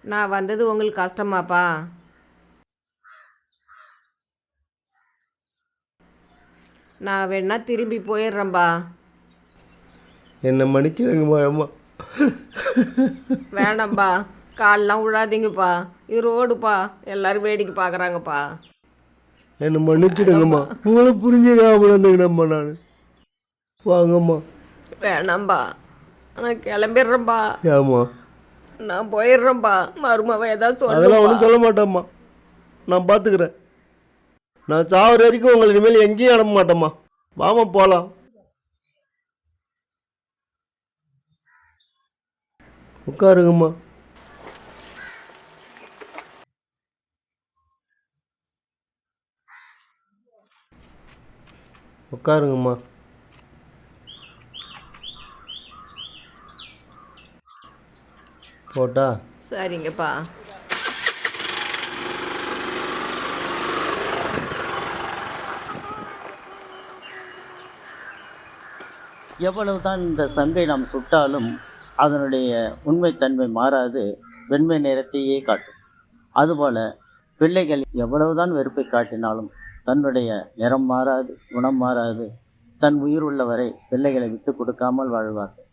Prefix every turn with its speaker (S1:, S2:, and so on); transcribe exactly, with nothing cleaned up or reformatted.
S1: நான் வந்தது உங்களுக்கு கஷ்டமாப்பா? நான் வேணா திரும்பி போயிடுறேன்பா.
S2: என்னை மன்னிச்சிடுங்கம்மா அம்மா.
S1: வேணாம்பா, கால்லாம் விழாதீங்கப்பா. இது ரோடுப்பா, எல்லோரும் வேடிக்கை பார்க்குறாங்கப்பா.
S2: என்னை மன்னிச்சிடுங்கம்மா. உங்களை புரிஞ்சுக்காமல் இருந்துக்கிறேம்மா நான். வாங்கம்மா.
S1: வேணாம்பா, நான் கிளம்பிடுறேன்பா.
S2: ஏம்மா?
S1: நான் போயிடுறேன்பா. மருமவ ஏதாவது
S2: அதெல்லாம்
S1: சொல்லுவா.
S2: ஒன்றும் சொல்ல மாட்டேம்மா, நான் பார்த்துக்கிறேன். நான் சாவர வரைக்கும் உங்களை இனிமேல் எங்கேயும் அனுப்ப மாட்டேம்மா. வாமா போகலாம். உட்காருங்கம்மா. உட்காருங்கம்மா. போட்டா?
S1: சரிங்கப்பா.
S3: எவ்வளவுதான் இந்த சங்கை நாம் சுட்டாலும் அதனுடைய உண்மைத்தன்மை மாறாது, வெண்மை நிறத்தையே காட்டும். அதுபோல் பிள்ளைகள் எவ்வளவுதான் வெறுப்பை காட்டினாலும் தன்னுடைய நிறம் மாறாது, குணம் மாறாது. தன் உயிர் உள்ளவரை பிள்ளைகளை விட்டு கொடுக்காமல் வாழ்வார்கள்.